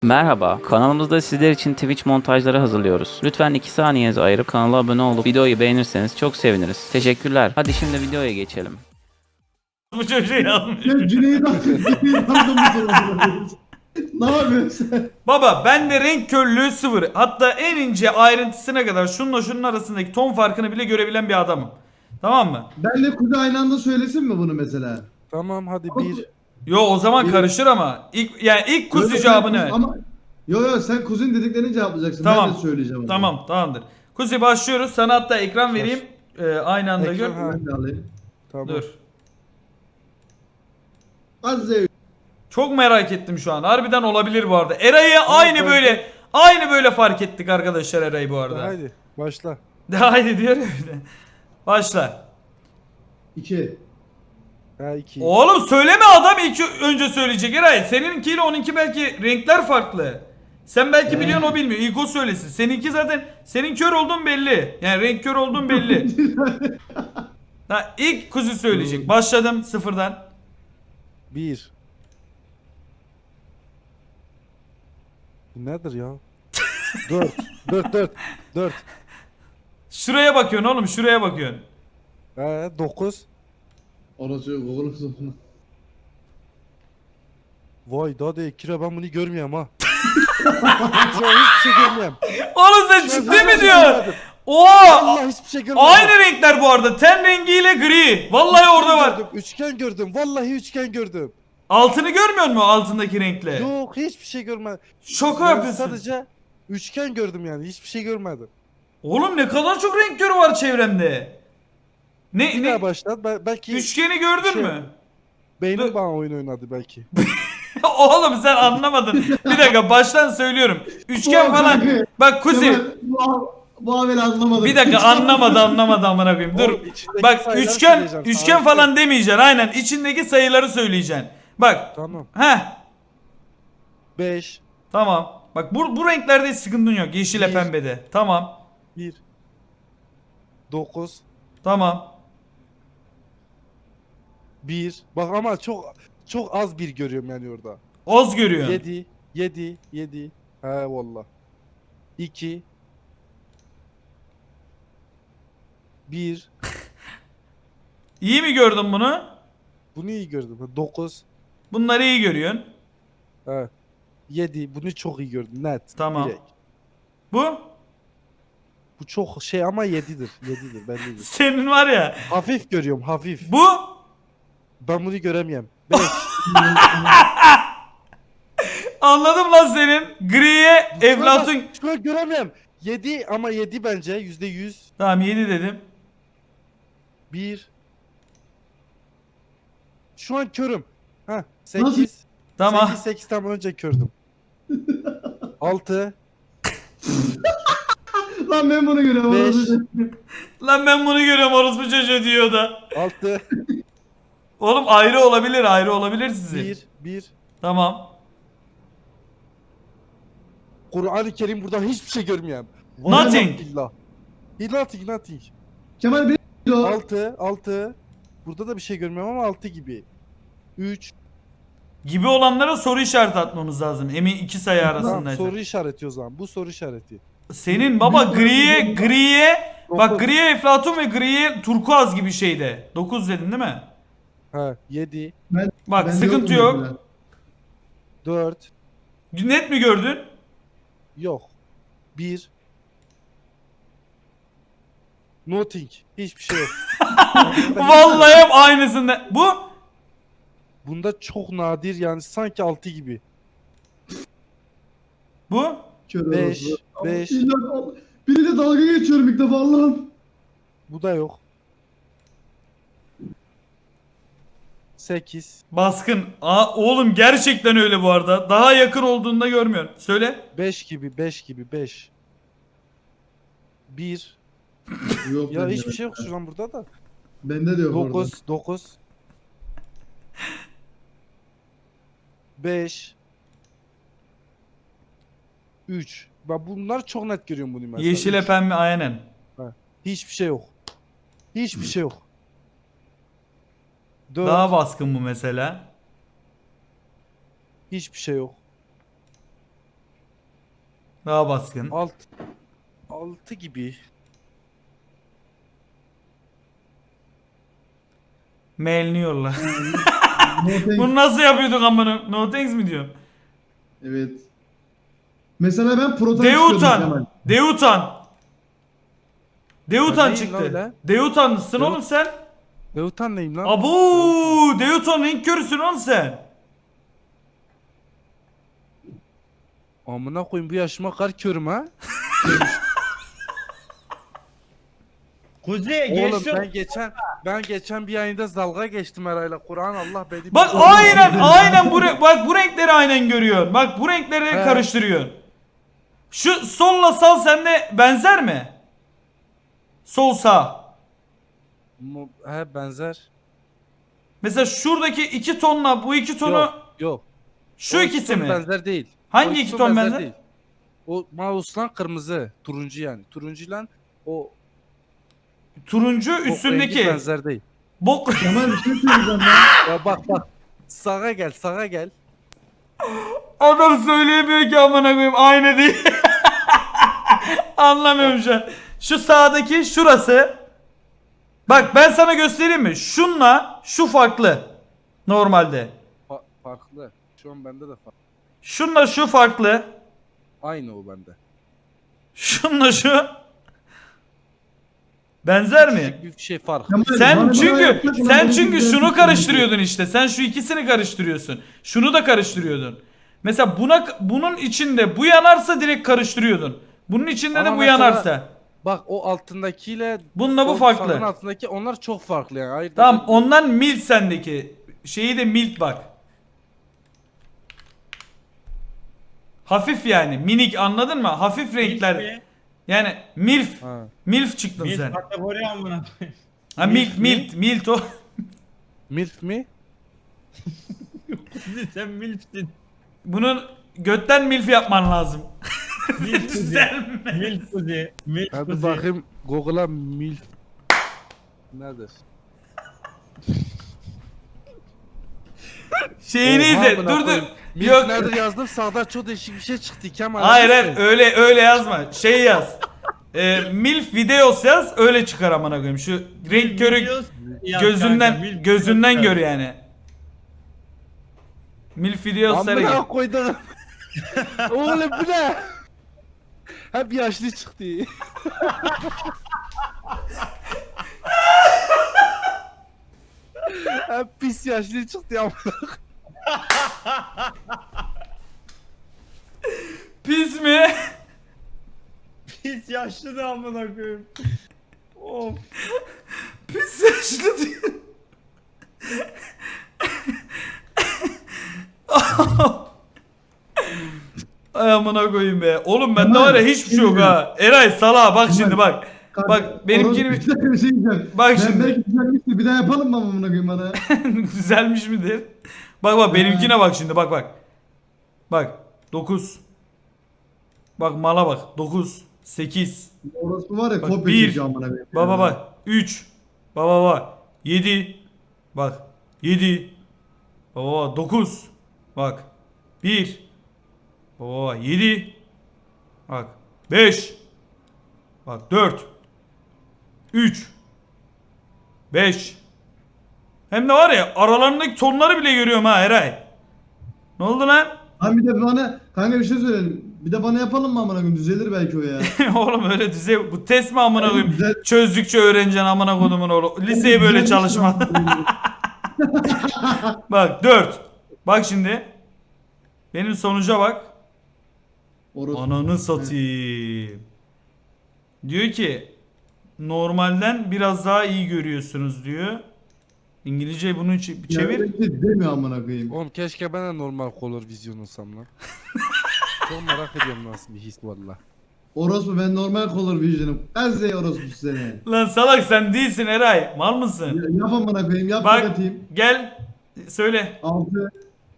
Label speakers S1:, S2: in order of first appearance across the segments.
S1: Merhaba, kanalımızda sizler için Twitch montajları hazırlıyoruz. Lütfen 2 saniyenizi ayırıp kanala abone olup videoyu beğenirseniz çok seviniriz. Teşekkürler. Hadi şimdi videoya geçelim.
S2: Bu çocuğu yazmış.
S3: Ya Cüneyt Arkadaş'ın bu soruları. Ne yapıyorsun sen?
S2: Baba bende renk körlüğü sıfır. Hatta en ince ayrıntısına kadar şununla şunun arasındaki ton farkını bile görebilen bir adamım. Tamam mı?
S3: Benle Kuzey aynı anda söylesin mi bunu mesela?
S4: Tamam hadi bir.
S2: Yo o zaman
S3: Bir-
S2: karışır ama. İlk kuzu
S3: Böyle
S2: cevabını
S3: sen-
S2: ver.
S3: Ama yo sen Kuzey'in dediklerini cevaplayacaksın.
S2: Tamam.
S3: Ben de söyleyeceğim.
S2: Tamam tamamdır. Kuzi başlıyoruz. Sana hatta ekran vereyim. Aynı anda gör.
S4: Ekran, ha.
S3: Ben de alayım.
S4: Tamam.
S2: Dur.
S3: Azze.
S2: Çok merak ettim şu an. Harbiden olabilir bu arada. Eray'ı
S4: ben-
S2: aynı böyle fark ettik arkadaşlar Eray'ı bu arada.
S4: Haydi başla.
S2: Haydi diyor ya bir de. Başla.
S3: 2.
S4: Ha 2.
S2: Oğlum söyleme, adam ilk önce söyleyecek Eray. Seninkiyle onunki belki renkler farklı. Sen belki biliyorsun, o bilmiyor. İlk o söylesin. Seninki zaten senin kör olduğun belli. Yani renk kör olduğun belli. Ha, ilk kuzu söyleyecek. Başladım sıfırdan.
S4: 1. Bu nedir ya? 4. 4.
S2: Şuraya bakıyorsun oğlum, şuraya bakıyorsun.
S4: 9.
S3: Orası yok oğlum sonra.
S4: Vay daha da kira ben bunu görmüyorum ha. Şu an hiçbir şey görmüyorum.
S2: Oğlum sen
S4: Şu an
S2: ciddi
S4: hiçbir
S2: mi
S4: şey
S2: diyorsun?
S4: görmedim.
S2: Oha!
S4: Allah hiçbir şey görmedim.
S2: Aynı renkler bu arada. Ten rengiyle gri. Vallahi orada var.
S4: Gördüm, üçgen gördüm. Vallahi üçgen gördüm.
S2: Altını görmüyor musun altındaki renkle?
S4: Yok hiçbir şey görmedim.
S2: Şaka
S4: Yani
S2: yapıyorsun.
S4: sadece üçgen gördüm yani. Hiçbir şey görmedim.
S2: Oğlum ne kadar çok renk körü var çevremde.
S4: Bir
S2: Ne?
S4: daha başlat. Belki
S2: Üçgeni gördün
S4: Şey-
S2: mü?
S4: beynim
S2: Dur.
S4: bana oyun oynadı belki.
S2: Oğlum sen anlamadın. Bir dakika baştan söylüyorum. Üçgen falan. Bak Kuzi.
S3: Kemal, bu haberi anlamadım.
S2: Bir dakika anlamadı amına koyayım. Dur.
S4: Oğlum, içindeki
S2: Bak
S4: sayıları
S2: üçgen
S4: söyleyeceğim.
S2: üçgen
S4: Sana
S2: falan demeyeceksin. Aynen içindeki sayıları söyleyeceksin. Bak.
S4: Tamam.
S2: Heh.
S4: 5.
S2: Tamam. Bak bu renklerde hiç sıkıntın yok. Yeşile
S4: Bir.
S2: pembede. Tamam.
S4: 1. 9.
S2: Tamam.
S4: 1. Bak ama çok az bir görüyorum yani orada.
S2: Oz görüyorsun.
S4: 7. He valla. 2. 1.
S2: İyi mi gördün bunu?
S4: Bunu iyi gördüm. 9.
S2: Bunları iyi görüyorsun.
S4: He. 7. Bunu çok iyi gördüm. Net.
S2: Tamam.
S4: Direkt.
S2: Bu
S4: Bu çok şey ama 7'dir. 7'dir bellidir.
S2: senin var ya.
S4: Hafif görüyorum hafif.
S2: Bu
S4: Ben bunu göremiyorum. 5.
S2: anladım lan senin. Griye Eflatun.
S4: Şu an göremiyorum. 7 ama 7 bence %100.
S2: Tamam 7 dedim.
S4: 1. Şu an körüm. Ha
S3: Nasıl?
S4: 8.
S2: Tamam.
S4: 8 tam önce kördüm. 6.
S3: Lan ben bunu görüyorum.
S4: 5.
S3: orası.
S2: Lan ben bunu görüyorum, orospu çocuğu diyor da.
S4: 6.
S2: Oğlum ayrı olabilir sizin.
S4: 1.
S2: Tamam.
S4: Kur'an-ı Kerim buradan hiçbir şey görmüyorum.
S2: Nothing.
S4: Billah. Nothing.
S3: Kemal benim o.
S4: 6. Burada da bir şey görmüyorum ama 6 gibi. 3.
S2: Gibi olanlara soru işareti atmamız lazım. Emin iki sayı
S4: Tamam,
S2: arasındaysa.
S4: soru işareti o zaman. Bu soru işareti.
S2: Senin baba griye bak
S4: Dokuz.
S2: griye Eflatun ve griye turkuaz gibi şeyde. 9 dedin değil mi?
S4: Ha 7.
S2: Bak
S3: Ben
S2: sıkıntı
S3: diyordum
S2: yok.
S3: mesela.
S4: 4.
S2: Net mi gördün?
S4: Yok. 1. Nothing. Hiçbir şey yok.
S2: Vallahi hep aynısında. Bu
S4: Bunda çok nadir yani sanki 6 gibi.
S2: bu
S3: Kör
S4: 5.
S3: orası.
S4: 5.
S3: İlla- Biriyle dalga geçiyorum ilk defa Allah'ım.
S4: Bu da yok. 8.
S2: baskın. Aa, oğlum gerçekten öyle bu arada. Daha yakın olduğunda görmüyorsun. Söyle.
S4: 5 gibi 5. 1.
S3: Yok
S4: Ya
S3: bende.
S4: hiçbir şey yok şu an burada da.
S3: Bende de yok orada.
S4: 9. 5. 3. Bak bunlar çok net görüyorum bunu mesela.
S2: Yeşile
S4: Üç.
S2: pembe aynen.
S4: Hiçbir şey yok. Hiçbir şey yok. 4.
S2: Daha baskın bu mesela.
S4: Hiçbir şey yok.
S2: Daha baskın.
S4: 6 gibi.
S2: Mailini yolla.
S3: No thanks.
S2: Bunu nasıl yapıyorduk amına? No thanks mi diyorsun?
S3: Evet. Mesela ben proton istiyordum Kemal.
S2: Deutan. Deutan. Deutan
S4: Ben neyim lan
S2: çıktı.
S4: öyle?
S2: Deutan'sın
S4: Deut-
S2: oğlum sen.
S4: Beutan neyim lan?
S2: Abu, Deutan renk körüsün oğlum sen.
S4: Amına koyayım bu yaşıma kar körüm ha.
S5: Kuzey
S4: Oğlum
S5: geç
S4: ben geçen bir yayında dalga geçtim herhalde. Kur'an Allah beni.
S2: Bak aynen bu bak bu renkleri aynen görüyorsun. Bak bu renkleri
S4: He.
S2: karıştırıyorsun. Şu solla sağ sende benzer mi? Sol sağ.
S4: He benzer.
S2: Mesela şuradaki iki tonla bu iki tonu
S4: Yok.
S2: şu
S4: O
S2: ikisi
S4: ton
S2: mi?
S4: benzer değil.
S2: Hangi
S4: O
S2: iki ton benzer?
S4: değil. O mouse'lan kırmızı, turuncu yani. Turuncuyla o
S2: Turuncu
S4: bok rengi
S2: üstündeki.
S4: benzer değil.
S2: Bok.
S3: Kemal bir şey söyleyeceğim ya.
S4: Ya bak. Sağa gel.
S2: Adam söyleyemiyor ki amına koyayım aynı değil. Anlamıyorum şu an. Şu sağdaki şurası. Bak ben sana göstereyim mi? Şunla şu farklı. Normalde.
S4: Farklı. Şu an bende de farklı.
S2: Şunla şu farklı.
S4: Aynı o bende.
S2: Şunla şu. Benzer mi?
S4: Küçük bir şey fark.
S3: Kemal,
S2: Sen
S3: bana
S2: çünkü
S3: yapacak olan
S2: sen
S3: benim
S2: çünkü
S3: güzel
S2: şunu
S3: bir
S2: karıştırıyordun işte. Sen şu ikisini karıştırıyorsun. Şunu da karıştırıyordun. Mesela bunun içinde bu yanarsa direkt karıştırıyordun. Bunun içinde
S4: Ama
S2: de bu
S4: mesela-
S2: yanarsa.
S4: Bak o altındakiyle
S2: Bununla bu
S4: o
S2: farklı.
S4: sağın altındaki onlar çok farklı yani. Ayırt
S2: Tamam
S4: edebiliyorum.
S2: ondan milt sendeki. Şeyi de milt bak. Hafif yani minik anladın mı? Hafif renkler. Yani milf.
S4: Ha.
S2: Milf çıktın
S5: Biz
S2: sen.
S5: kategori amına koyayım.
S2: Ha
S5: milf
S2: milt
S5: mi?
S2: milt o.
S4: Milf mi?
S5: Kuzey sen milfsin.
S2: Bunun götten milf yapman lazım.
S5: Milf Kuzey.
S2: Düzelme.
S5: Milf Kuzey. Milf
S4: Hadi
S5: Kuzey.
S4: bakayım Google'a milf. Nedir?
S2: Şeyini
S4: Oha,
S2: izle.
S4: amına
S2: Dur dur.
S4: koyayım. Milf
S2: Yok.
S4: nedir yazdım sağda çok değişik bir şey çıktı Kemal.
S2: Hayır
S4: Neyse.
S2: hayır öyle yazma. Şey yaz. Milf videos yaz öyle çıkar amına koyayım. Şu renk körü
S5: Videos yaz kanka,
S2: gözünden
S5: milf
S2: gözünden
S5: videos
S2: gör
S5: yaz.
S2: yani. Milf videosları
S4: Amına
S2: gel.
S4: koydum. Oğlum bu ne? Hep yaşlı çıktı. Hep pis yaşlı çıktı ya.
S2: Pis mi?
S5: Pis yaşlı da amına koyayım. Of.
S2: Pis yaşlı diyor. Ay amına koyayım be. Oğlum bende
S3: Kemal,
S2: var ya hiçbir şey yok ha. Eray salağa bak şimdi bak.
S3: Kanka,
S2: Bak benimkini
S3: orası bir dakika bir şey diyeceğim.
S2: Bak
S3: Ben
S2: şimdi.
S3: belki düzelmiştir. Bir daha yapalım mı amına koyayım bana?
S2: Düzelmiş midir? Bak benimkine bak şimdi bak. Bak 9. Bak mala bak 9 8.
S3: Orası var ya
S2: Bak,
S3: kopya
S2: bir.
S3: çekiyor amına koyayım.
S2: Bak 3. Bak 7. Bak 7. Bak 9. Bak 1. Bak 7. Bak 5. Bak 4. 3. 5. Hem de var ya aralarındaki tonları bile görüyorum ha Eray. Ne oldu lan?
S3: Lan bir de bana kanka bir şey söyleyelim. Bir de bana yapalım mı amına koyayım? Düzelir belki o ya.
S2: Oğlum öyle düzey bu test mi amına koyayım?
S3: Güzel.
S2: Çözdükçe öğreneceksin amına kodumun oğlu. Liseye böyle çalışma. Bak 4. Bak şimdi. Benim sonuca bak.
S3: Orası.
S2: Ananı satayım. Diyor ki normalden biraz daha iyi görüyorsunuz diyor. İngilizce bunu çevir.
S3: Demiyor amına koyayım.
S4: Oğlum keşke ben de normal color vizyon olsam lan. Çok merak ediyorum nasıl bir his valla.
S3: Orospu ben normal color vision'ım. Gazze orospu seni.
S2: Lan salak sen değilsin Eray. Mal mısın?
S3: Yap amına koyayım yap
S2: Bak
S3: bakayım.
S2: gel söyle.
S3: 6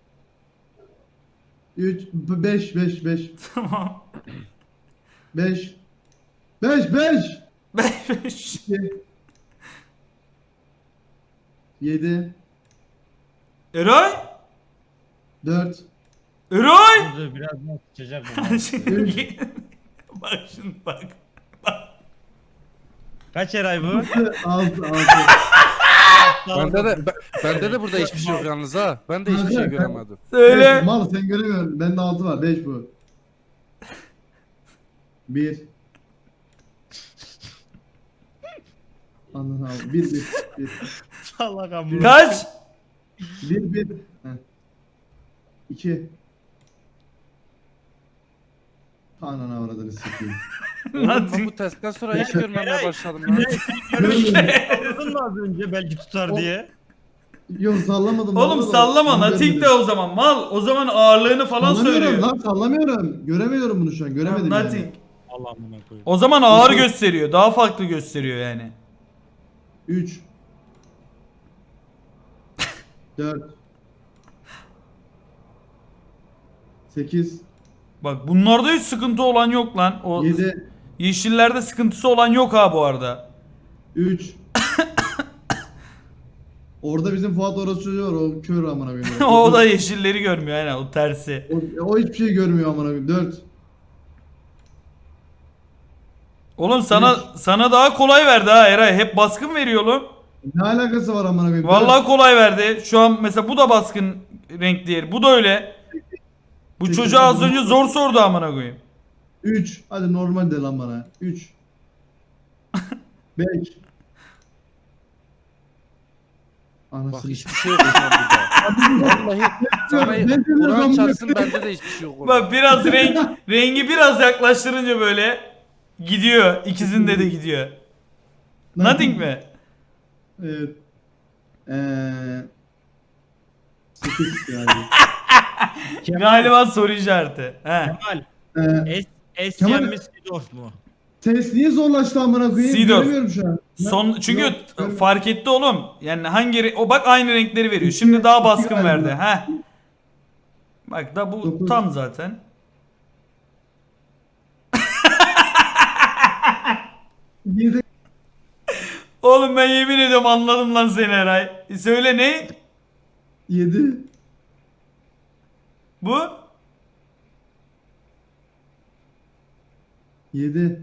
S3: 3 5
S2: Tamam.
S3: 5 5
S2: 5.
S3: 7
S2: Eray?
S3: 4
S2: Eray!
S5: Dur biraz daha sıçacak bu.
S2: Şimdi- bak şimdi bak.
S5: Kaç Eray bu?
S3: 6.
S4: Bende de burada hiçbir şey yok yalnız ha. Ben de hiçbir şey göremedim.
S2: Söyle.
S3: Mal sen göremiyorsun. Bende 6 var. 5 bu. 1. Anladın abi. 1.
S5: Salak amına.
S2: Kaç?
S3: 1. 2. Ananı avradını sikeyim.
S4: Oğlum ben
S2: Nothing.
S4: bu testten sonra hiç görmemeye başladım ya.
S5: Anladın mı az önce belki tutar diye?
S3: Yok sallamadım.
S2: Oğlum
S3: vallahi.
S2: sallama.
S3: Ben
S2: Nothing de
S3: görmedim.
S2: o zaman. Mal. O zaman ağırlığını falan
S3: Sallamıyorum
S2: söylüyor.
S3: lan sallamıyorum. Göremiyorum bunu şu an. Göremedim
S2: Nothing.
S3: yani.
S5: Allah amına koyayım.
S2: O zaman ağır gösteriyor. Daha farklı gösteriyor yani.
S3: 3. 4. 8.
S2: Bak bunlarda hiç sıkıntı olan yok lan. O
S3: 7.
S2: yeşillerde sıkıntısı olan yok ha bu arada.
S3: 3. Orada bizim Fuat orası çocuğu var. O kör amına koyayım.
S2: O da yeşilleri görmüyor aynen o tersi.
S3: O hiçbir şey görmüyor amına koyayım. 4.
S2: Oğlum sana daha kolay verdi ha Eray. Hep baskın veriyor oğlum.
S3: Ne alakası var amına koyayım?
S2: Vallahi kolay verdi. Şu an mesela bu da baskın renk diğeri. Bu da öyle. Bu
S3: Peki,
S2: çocuğa az
S3: bu-
S2: önce zor sordu amına koyayım.
S3: 3. Hadi normal de lan bana. 3. 5.
S4: Bak
S3: Anasını
S4: hiçbir şey yok şu an burada. Vallahi sana
S3: Ne diyorsun
S4: Kur'an
S3: lan bu?
S4: çarpsın bende de hiçbir şey yok orada.
S2: Bak biraz rengi biraz yaklaştırınca böyle gidiyor. İkisinde de gidiyor. Nothing mi?
S3: Evet. 8 yani.
S2: Galiba soru işareti. He.
S5: Kemal. Es
S3: Kemal-
S5: yenmiş Sidorf mu?
S3: Test niye zorlaştı amına koyayım?
S2: Seedorf.
S3: Göremiyorum şu an.
S2: Çünkü
S3: Yok, görmüyorum.
S2: fark etti oğlum. Yani o bak aynı renkleri veriyor. Şimdi daha baskın
S3: galiba.
S2: verdi. He. Bak da bu
S3: 9.
S2: tam zaten.
S3: Yedi.
S2: Oğlum ben yemin ediyorum anladım lan seni Eray. Söyle ne?
S3: 7.
S2: Bu?
S3: 7.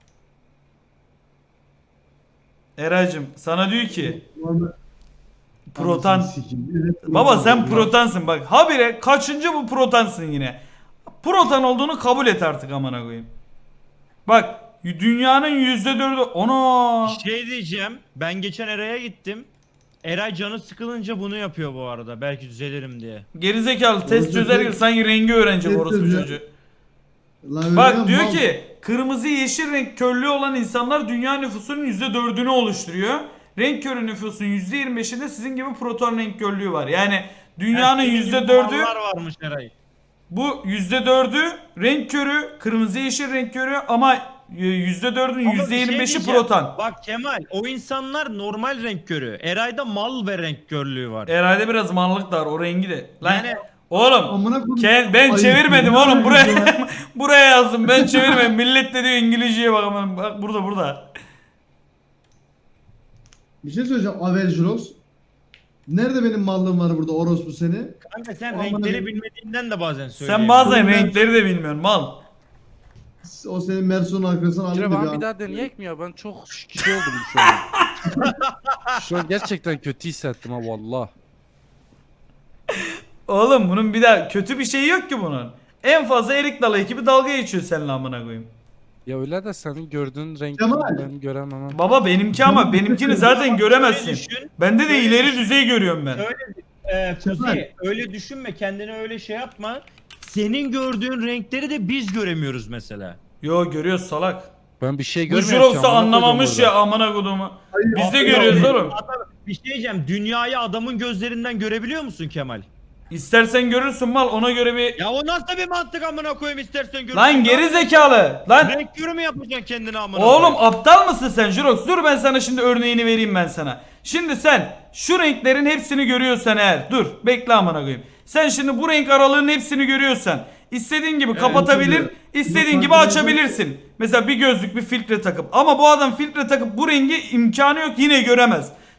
S2: Eraycım sana diyor ki
S3: Normal.
S2: protan.
S3: Anasını sikeyim. Evet,
S2: Baba sen
S3: protan.
S2: protansın bak. Habire kaçıncı bu protansın yine. Protan olduğunu kabul et artık amına koyayım. Bak dünyanın %4'ü ona.
S5: Şey diyeceğim. Ben geçen Eray'a gittim. Eray canı sıkılınca bunu yapıyor bu arada. Belki düzelirim diye.
S2: Gerizekalı test çözerken sanki rengi öğrenecek
S3: Test
S2: orospu
S3: çözüyor.
S2: çocuğu.
S3: Lan
S2: Bak
S3: öyle
S2: diyor
S3: mal.
S2: ki kırmızı yeşil renk körlüğü olan insanlar dünya nüfusunun %4'ünü oluşturuyor. Renk körü nüfusun %25'inde sizin gibi proton renk körlüğü var. Yani dünyanın
S5: Senin gibi
S2: %4'ü
S5: mallar varmış Eray.
S2: bu %4'ü renk körü, kırmızı yeşil renk körü ama %4'ün
S5: Ama bir şey
S2: %25'i
S5: diyeceğim.
S2: proton.
S5: Bak Kemal o insanlar normal renk körü. Eray'da mal ve renk körlüğü var.
S2: Herhalde biraz manlık da var o rengi de. Lan
S5: Yani-
S2: oğlum
S3: Amına koyayım.
S2: ben
S3: Ay,
S2: çevirmedim
S3: ne
S2: oğlum buraya
S3: ya?
S2: buraya yazdım ben çevirmedim. Millet de diyor İngilizceye bak aman bak burada.
S3: Bir şey söyleyeceğim. Avel Jurox. Nerede benim mallığım var burada orospu seni?
S5: Kanka sen
S3: Aman
S5: renkleri
S3: Allah'ım.
S5: bilmediğinden de bazen
S2: Sen
S5: söyleyemiyorsun.
S2: bazen
S3: Ben-
S2: renkleri de bilmiyorsun mal.
S3: O senin Mersun'un arkasına alayım
S4: Kire
S3: da
S4: bana
S3: bir
S4: bir
S3: an.
S4: daha deneyek mi ya? Ben çok şey oldum şu an. Şu an gerçekten kötü hissettim ha valla.
S2: Oğlum bunun bir daha kötü bir şeyi yok ki bunun. En fazla Erik Dalı ekibi dalga geçiyor seninle amına koyayım.
S4: Ya öyle de senin gördüğün renk
S3: Kemal.
S4: ben göremem.
S2: Baba benimki ama benimkini zaten göremezsin.
S5: düşün.
S2: Bende de
S5: Şöyle
S2: ileri
S5: düşün.
S2: düzey görüyorum ben.
S5: Kuzey öyle düşünme kendine öyle şey yapma. Senin gördüğün renkleri de biz göremiyoruz mesela.
S2: Yo görüyoruz salak.
S4: Ben bir şey
S2: Bu
S4: görmüyorum ki.
S2: Jurox da
S4: amına koydum
S2: anlamamış
S4: orada.
S2: ya amına kodumu. Biz de
S3: Abi,
S2: görüyoruz
S3: abi.
S2: oğlum.
S5: Bir şey diyeceğim dünyayı adamın gözlerinden görebiliyor musun Kemal?
S2: İstersen görürsün mal ona göre bir...
S5: Ya o nasıl bir mantık amına koyayım istersen görürsün.
S2: Lan geri zekalı. Lan
S5: Renk körü mü yapacaksın kendine amına
S2: oğlum
S5: koyayım?
S2: aptal mısın sen Jurox? Dur ben sana şimdi örneğini vereyim ben sana. Şimdi sen şu renklerin hepsini görüyorsan eğer dur bekle amına koyayım. Sen şimdi bu renk aralığının hepsini görüyorsan istediğin gibi kapatabilir,
S3: tabii.
S2: istediğin
S3: Yok,
S2: gibi
S3: ben-
S2: açabilirsin. Mesela bir gözlük bir filtre takıp ama bu adam filtre takıp bu rengi imkanı yok yine göremez.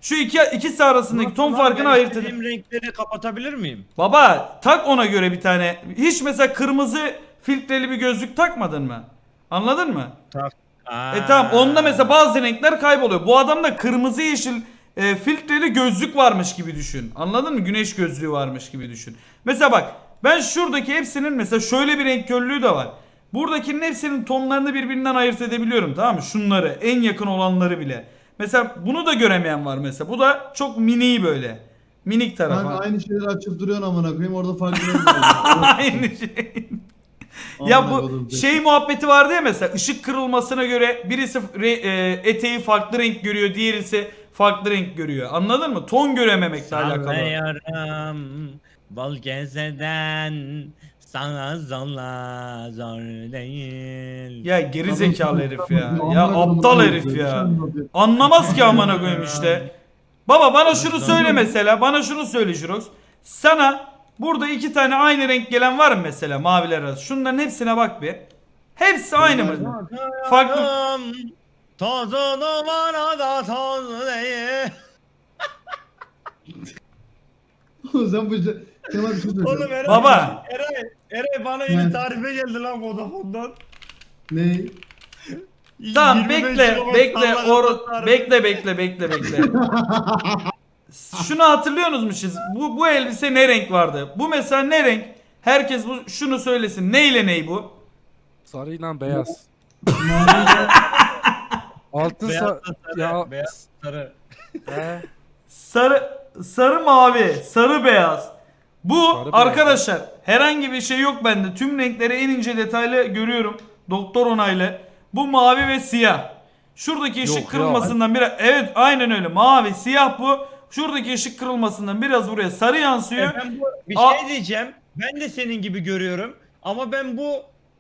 S2: Şu ikisi arasındaki ton farkını ayırt edin.
S5: İstediğim renkleri kapatabilir miyim?
S2: Baba tak ona göre bir tane. Hiç mesela kırmızı filtreli bir gözlük takmadın mı? Anladın mı? Tamam onda mesela bazı renkler kayboluyor. Bu adamda kırmızı yeşil filtreli gözlük varmış gibi düşün. Anladın mı? Güneş gözlüğü varmış gibi düşün. Mesela bak ben şuradaki hepsinin mesela şöyle bir renk körlüğü de var. Buradakinin hepsinin tonlarını birbirinden ayırt edebiliyorum, tamam mı? Şunları en yakın olanları bile. Mesela bunu da göremeyen var mesela. Bu da çok mini böyle. Minik tarafı.
S3: Kanka aynı şeyleri açıp duruyorsun amına koyayım orada farklı renk var.
S2: Aynı şey. Ya
S3: Amına
S2: bu
S3: koydum.
S2: şey muhabbeti vardı ya mesela ışık kırılmasına göre birisi eteği farklı renk görüyor, diğerisi farklı renk görüyor. Anladın mı? Ton görememekle alakalı.
S5: Sallıyorum bol gezeden sana zorla zor değil.
S2: Ya geri zekalı herif ya.
S3: Amına
S2: Ya
S3: koydum,
S2: aptal
S3: amına
S2: herif
S3: koydum.
S2: ya.
S3: Şey
S2: Anlamaz ki amına koyayım işte. Baba bana şunu söyle mesela. Bana şunu söyle Jurox. Sana burada iki tane aynı renk gelen var mı mesela maviler arası? Şunların hepsine bak bir. Hepsi aynı mı? Farklı.
S5: Tozunu bana da toz değil.
S3: Sen bu Kemal bir şey söyleyeceğim.
S5: Oğlum Eray,
S2: Baba.
S5: Eray bana
S3: Ne?
S5: yeni tarife geldi lan Vodafone'dan.
S3: Ne?
S2: Tamam
S5: 25
S2: bekle
S5: kilobit
S2: bekle
S5: sallama tarifi.
S2: bekle. Şunu hatırlıyorsunuz mu siz? Bu elbise ne renk vardı? Bu mesela ne renk? Herkes şunu söylesin. Ne ile ney bu?
S4: Sarıyla beyaz.
S3: Mavi
S4: Altın
S5: Beyaz
S4: sa...
S5: da sarı,
S4: Ya...
S5: beyaz sarı.
S4: He.
S2: Sarı mavi, sarı beyaz. Bu
S4: Sarı beyaz.
S2: arkadaşlar herhangi bir şey yok bende. Tüm renkleri en ince detaylı görüyorum. Doktor onaylı. Bu mavi ve siyah. Şuradaki ışık
S4: Yok ya.
S2: kırılmasından biraz, evet aynen öyle, mavi siyah bu. Şuradaki ışık kırılmasından biraz buraya sarı yansıyor.
S5: Ben bir
S2: Aa.
S5: şey diyeceğim. Ben de senin gibi görüyorum. Ama ben bu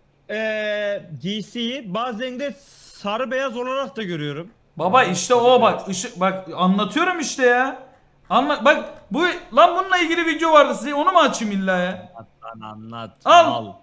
S5: DC'yi bazen de sarı beyaz olarak da görüyorum.
S2: Baba işte o bak ışık bak anlatıyorum işte ya. Bak bu lan bununla ilgili video vardı size, onu mu açayım illa ya?
S5: Anlat.
S2: Al.